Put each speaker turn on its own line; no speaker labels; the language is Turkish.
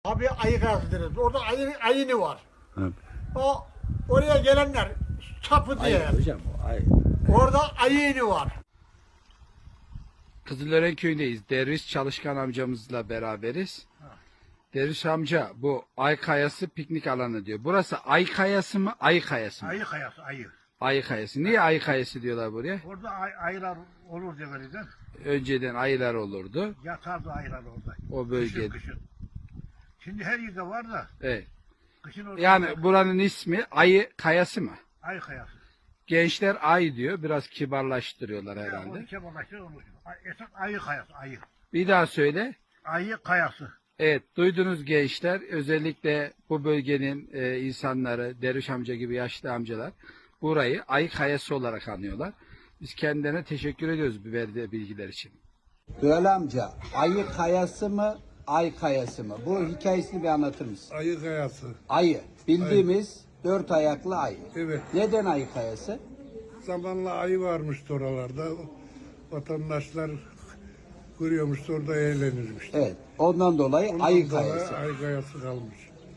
Abi ayı kayası deriz. Orada ayını var.
Evet.
O oraya gelenler çapı diye.
Hocam o ay.
Orada ayını var.
Kızılören köyündeyiz. Derviş Çalışkan amcamızla beraberiz. Derviş amca bu Ay Kayası piknik alanı diyor. Burası Ay Kayası mı? Ay Kayası mı?
Ayı kayası, ayı.
Ay Kayası. Niye Ay Kayası diyorlar buraya?
Orada ayılar olur demeliyden.
Önceden ayılar olurdu.
Yatardı ayılar orada.
O bölgede.
Kışın. Şimdi her yerde var da
Evet.
kışın orada
Yani buranın ismi Ayı Kayası mı?
ayı kayası.
Gençler Ay diyor. Biraz kibarlaştırıyorlar
Yani
herhalde.
onu kebalaştır onu. Esas ayı kayası, ayı.
Bir daha söyle.
Ayı kayası.
Evet, duydunuz gençler. Özellikle bu bölgenin insanları, Derviş amca gibi yaşlı amcalar burayı Ay Kayası olarak anıyorlar. Biz kendilerine teşekkür ediyoruz bu verdiği bilgiler için.
Dural amca, ayı kayası mı, ay kayası mı? Bu hikayesini bir anlatır mısın?
Ayı kayası.
Ayı, bildiğimiz dört ayaklı ayı.
Evet.
Neden ayı kayası?
Zamanla ayı varmıştı oralarda. Vatandaşlar görüyormuş orada eğlenirmiş.
Evet, ondan dolayı
Ondan
ayı
sonra
kayası.
ayı kayası kalmış.